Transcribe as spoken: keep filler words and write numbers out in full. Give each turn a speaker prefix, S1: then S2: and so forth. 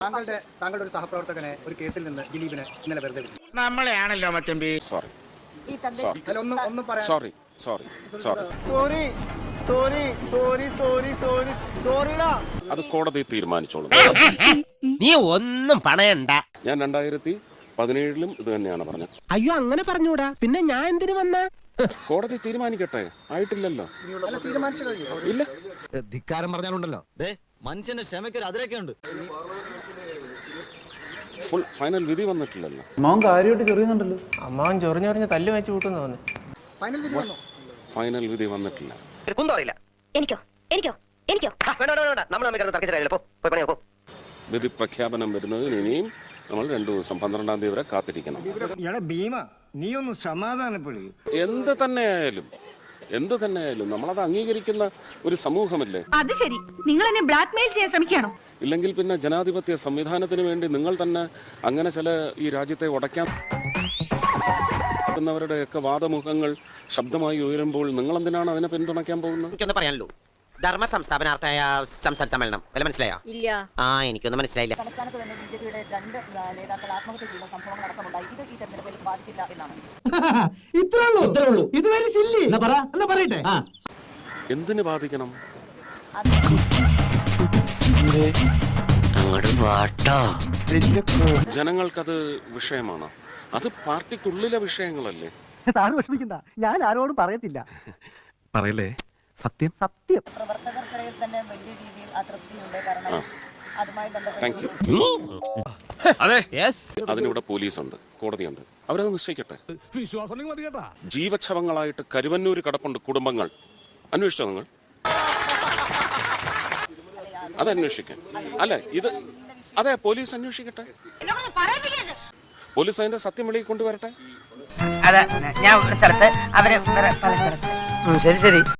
S1: താങ്കളുടെ താങ്കളുടെ ഒരു സഹപ്രവർത്തകനെ ഒരു കേസിൽ നിന്ന് ദിലീപിനെ ഇന്നലെ വെറുതെ വിട്ടു.
S2: നമ്മളെയാണല്ലോ മച്ചമ്പി.
S3: സോറി
S4: ഈ തന്റെ
S1: അല്ല, ഒന്നും ഒന്നും പറയാൻ
S3: sorry sorry sorry
S5: sorry sorry sorry sorry sorry സോറിടാ.
S3: അത് കോടതി തീരുമാനിച്ചോളും.
S6: നീ ഒന്നും പണയണ്ട.
S3: ഞാൻ രണ്ടായിരത്തി പതിനേഴിലും ഇത് തന്നെയാണ് പറഞ്ഞത്.
S6: അയ്യോ അങ്ങനെ പറഞ്ഞൂടാ, പിന്നെ ഞാൻ എന്തിനു വന്ന?
S3: കോടതി തീരുമാനിക്കട്ടെ, ആയിട്ടില്ലല്ലോ.
S1: അല്ല, തീരുമാനിച്ചു കഴിഞ്ഞു.
S3: ഇല്ല,
S7: ധിക്കാരം പറഞ്ഞാലുണ്ടല്ലോ മനുഷ്യന്റെ ക്ഷമയ്ക്കൊരു അതിരൊക്കെ ഉണ്ട്.
S3: ഫുൾ ഫൈനൽ വിധി വന്നിട്ടില്ലല്ലോ.
S8: അമ്മാവൻ കാര്യമായിട്ട് ചെറിയുന്നുണ്ടല്ലോ.
S9: അമ്മാവൻ ചൊറിഞ്ഞൊറിഞ്ഞ് തല്ല് വെച്ച് കൂട്ടുന്നു തോന്നി.
S1: ഫൈനൽ വിധി വന്നു.
S3: ഫൈനൽ വിധി വന്നിട്ടില്ല.
S4: എനിക്കോ എനിക്കോ എനിക്കോ
S3: വിധി പ്രഖ്യാപനം വരുന്നതിന് ഇനിയും നമ്മൾ രണ്ടു ദിവസം പന്ത്രണ്ടാം തീയതി വരെ കാത്തിരിക്കണം.
S5: ഭീമ നീ ഒന്ന് സമാധാനപ്പെടുക.
S3: എന്ത് തന്നെയായാലും എന്ത് തന്നെയായാലും നമ്മളത് അംഗീകരിക്കുന്ന ഒരു സമൂഹമല്ലേ.
S10: അത് ശരി, നിങ്ങൾ എന്നെ ബ്ലാക്ക്മെയിൽ ചെയ്യാൻ ശ്രമിക്കുകയാണോ?
S3: ഇല്ലെങ്കിൽ പിന്നെ ജനാധിപത്യ സംവിധാനത്തിന് വേണ്ടി നിങ്ങൾ തന്നെ അങ്ങനെ ചില ഈ രാജ്യത്തെ ഉടയ്ക്കാൻ വരുടെയൊക്കെ വാദമുഖങ്ങൾ ശബ്ദമായി ഉയരുമ്പോൾ നിങ്ങൾ എന്തിനാണ് അതിനെ പിന്തുണയ്ക്കാൻ പോകുന്നത്?
S6: എനിക്കൊന്ന് പറയാനുള്ളൂ. ധർമ്മ സംസ്ഥാപനാർത്ഥായ സംസാര സമ്മേളനം വല്ല മനസ്സിലായോ?
S4: ഇല്ല.
S6: ആ എനിക്കൊന്നും മനസ്സിലായില്ല.
S4: സംസ്ഥാനത്ത് തന്നെ ബി ജെ പിയുടെ രണ്ട് നേതാക്കൾ ആത്മഹത്യ ചെയ്യുന്ന സംഭവങ്ങൾ അടക്കമുണ്ടായി. ഇത് ഈ തെരഞ്ഞെടുപ്പിൽ ബാധിക്കില്ല എന്നാണ്.
S3: എന്തിനു ബാധിക്കണം? ജനങ്ങൾക്കത് വിഷയമാണ്. അത് പാർട്ടിക്കുള്ളിലെ വിഷയങ്ങളല്ലേ.
S5: സാറ് വിഷമിക്കണ്ട, ഞാൻ ആരോടും പറയത്തില്ല.
S8: പറയല്ലേ, സത്യം
S5: സത്യം.
S4: പ്രവർത്തകർക്കിടയിൽ തന്നെ വലിയ രീതിയിൽ അതൃപ്തിയുണ്ട്. കാരണം അതുമായി
S3: താങ്ക് യു. അതിനിവിടെ പോലീസുണ്ട്, കോടതിയുണ്ട്, അവരത് നിശ്ചയിക്കട്ടെ. ജീവച്ഛവങ്ങളായിട്ട് കരുവന്നൂര് കിടപ്പുണ്ട് കുടുംബങ്ങൾ. അന്വേഷിച്ചോ നിങ്ങൾ? അത് അന്വേഷിക്കാൻ അല്ലെ ഇത്? അതെ, പോലീസ് അന്വേഷിക്കട്ടെ. പോലീസ് അതിന്റെ സത്യം വെളിയിൽ കൊണ്ടുവരട്ടെ.
S9: അതെ, ഞാൻ ഒരു സ്ഥലത്ത് അവര് പല സ്ഥലത്ത്. ശരി ശരി.